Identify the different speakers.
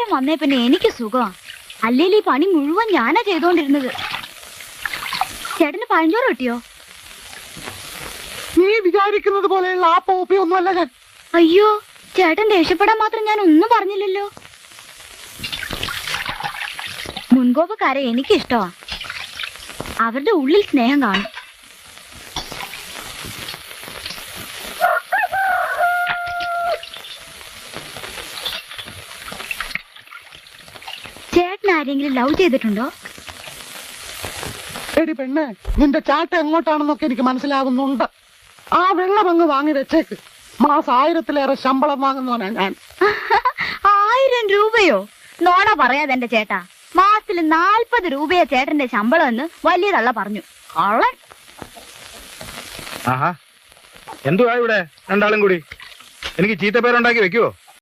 Speaker 1: വന്നേ പിന്നെ എനിക്ക് സുഖമാ. അല്ലെങ്കിൽ ഈ പണി മുഴുവൻ ഞാനാ ചെയ്തോണ്ടിരുന്നത്. ചേട്ടന് പഴഞ്ചോറ് കിട്ടിയോ?
Speaker 2: നീ വിചാരിക്കുന്നത് പോലെയുള്ള ആ പോപ്പി ഒന്നുമല്ല ഞാൻ.
Speaker 1: അയ്യോ, ചേട്ടൻ ദേഷ്യപ്പെടാൻ മാത്രം ഞാൻ ഒന്നും പറഞ്ഞില്ലല്ലോ. മുൻകോപക്കാരെ എനിക്കിഷ്ടമാ. അവരുടെ ഉള്ളിൽ സ്നേഹം കാണും. ചേട്ടൻ ആരെങ്കിലും ലവ് ചെയ്തിട്ടുണ്ടോ?
Speaker 2: എടി പെണ്ണെ, നിന്റെ ചാട്ട എങ്ങോട്ടാണെന്നൊക്കെ എനിക്ക് മനസ്സിലാകുന്നുണ്ട്. ആ വെള്ളമങ്ങ് വാങ്ങി വെച്ചേക്ക്. മാസം 1000-ലേറെ ശമ്പളം വാങ്ങുന്നവനാ ഞാൻ.
Speaker 1: 1000 രൂപയോ? നോണ പറയാതെ എന്റെ ചേട്ടാ. മാസത്തിൽ 40 രൂപയാ ചേട്ടന്റെ ശമ്പളം എന്ന് വലിയ തള്ള പറഞ്ഞു. കള്ളൻ.
Speaker 3: ആഹാ, എന്തുവാ ഇവിടെ രണ്ടാളും കൂടി? എനിക്ക് ചീത്ത പേരുണ്ടാക്കി വെക്കുവോ?